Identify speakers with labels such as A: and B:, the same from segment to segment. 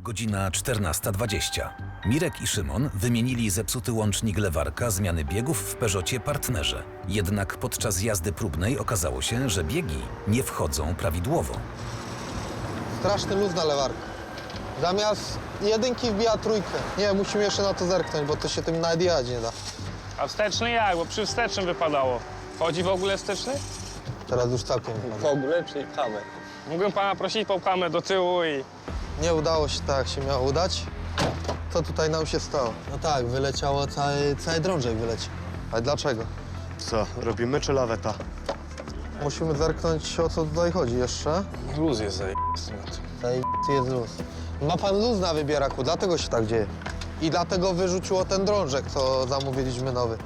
A: Godzina 14:20. Mirek i Szymon wymienili zepsuty łącznik lewarka zmiany biegów w Peugeotie Partnerze. Jednak podczas jazdy próbnej okazało się, że biegi nie wchodzą prawidłowo.
B: Straszny luz na lewarku. Zamiast jedynki wbija trójkę. Nie, musimy jeszcze na to zerknąć, bo to się tym nawet jechać nie da.
C: A wsteczny jak? Bo przy wstecznym wypadało. Chodzi w ogóle wsteczny?
B: Teraz już całkiem nie
D: W
B: ma.
D: ogóle przyjechamy.
C: Mógłbym pana prosić, popchamy do tyłu i...
B: Nie udało się tak, jak się miało udać. Co tutaj nam się stało? No tak, wyleciało, cały drążek wyleciał. Ale dlaczego?
E: Co, robimy czy laweta?
B: Musimy zerknąć, o co tutaj chodzi jeszcze.
C: Luz jest zajebisty na tym.
B: Tutaj jest luz. Ma pan luz na wybieraku, dlatego się tak dzieje. I dlatego wyrzuciło ten drążek, co zamówiliśmy nowy.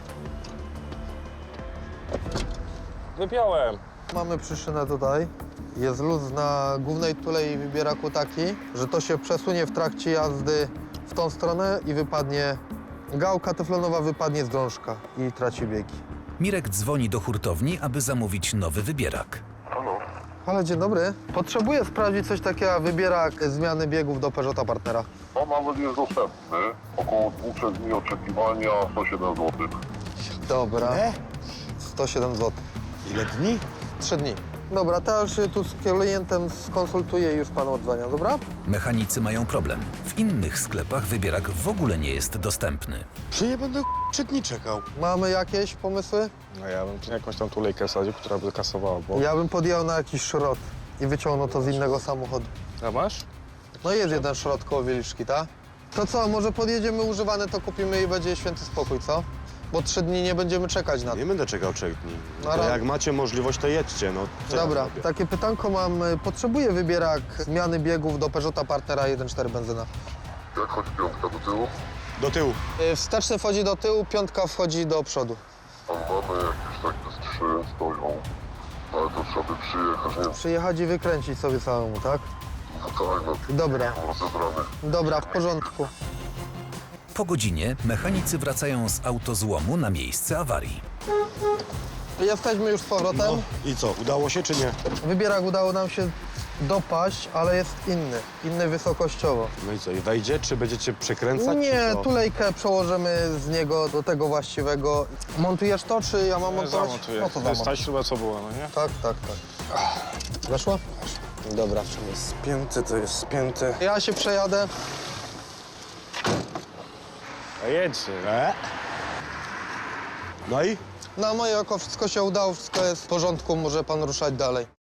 C: Wypiąłem.
B: Mamy przyczynę tutaj. Jest luz na głównej tulei wybieraku taki, że to się przesunie w trakcie jazdy w tą stronę i wypadnie gałka teflonowa, wypadnie z drążka i traci biegi.
A: Mirek dzwoni do hurtowni, aby zamówić nowy wybierak.
B: Halo, dzień dobry. Potrzebuję sprawdzić coś takiego jak wybierak zmiany biegów do Peugeota Partnera.
F: No nawet jest dostępny. Około 2-3 dni oczekiwania, 107 zł.
B: Dobra. 107 zł.
E: Ile dni?
B: 3 dni. Dobra, to już się tu z klientem skonsultuję i już panu odzwaniam, dobra?
A: Mechanicy mają problem. W innych sklepach wybierak w ogóle nie jest dostępny.
E: Czy nie będę 3 dni czekał?
B: Mamy jakieś pomysły?
C: No ja bym jakąś tam tulejkę wsadził, która by kasowała, bo...
B: Ja bym podjechał na jakiś szrot i wyciągnął to z innego samochodu.
C: A masz?
B: No jest jeden szrot koło Wieliczki, tak? To co, może podjedziemy używane, to kupimy i będzie święty spokój, co? Bo 3 dni nie będziemy czekać na to.
E: Nie będę czekał 3 dni.
B: No,
E: To
B: ale-
E: jak macie możliwość, to jedźcie, no. Co ja
B: Dobra,
E: zrobię?
B: takie pytanko mam. Potrzebuję wybierak zmiany biegów do Peugeota Partnera 1.4 benzyna.
F: Jak chodzi piątka do tyłu?
E: Do tyłu.
B: Wsteczny wchodzi do tyłu, piątka wchodzi do przodu.
F: Tam mamy jakieś takie z 3 stoją. Ale to trzeba by przyjechać, nie wiem,
B: Przyjechać i wykręcić sobie samemu, tak?
F: no tak, no
B: Dobra,
F: rozebrany.
B: dobra, w porządku.
A: Po godzinie mechanicy wracają z autozłomu na miejsce awarii.
B: Jesteśmy już z powrotem.
E: No i co, udało się czy nie?
B: Wybierak udało nam się dopaść, ale jest inny wysokościowo.
E: No i co, i wejdzie, czy będziecie przekręcać?
B: Nie,
E: czy co?
B: tulejkę przełożymy z niego do tego właściwego. Montujesz to, czy ja mam montować?
C: Zamontuję.
B: No to
C: To jest ta
B: zamontuj.
C: śruba, co była, no nie?
B: Tak, tak, tak. Weszło? Dobra.
C: Jest spięty, to jest spięty.
B: Ja się przejadę.
C: A jedźcie.
E: No i?
B: Na moje oko wszystko się udało, wszystko jest w porządku, może pan ruszać dalej.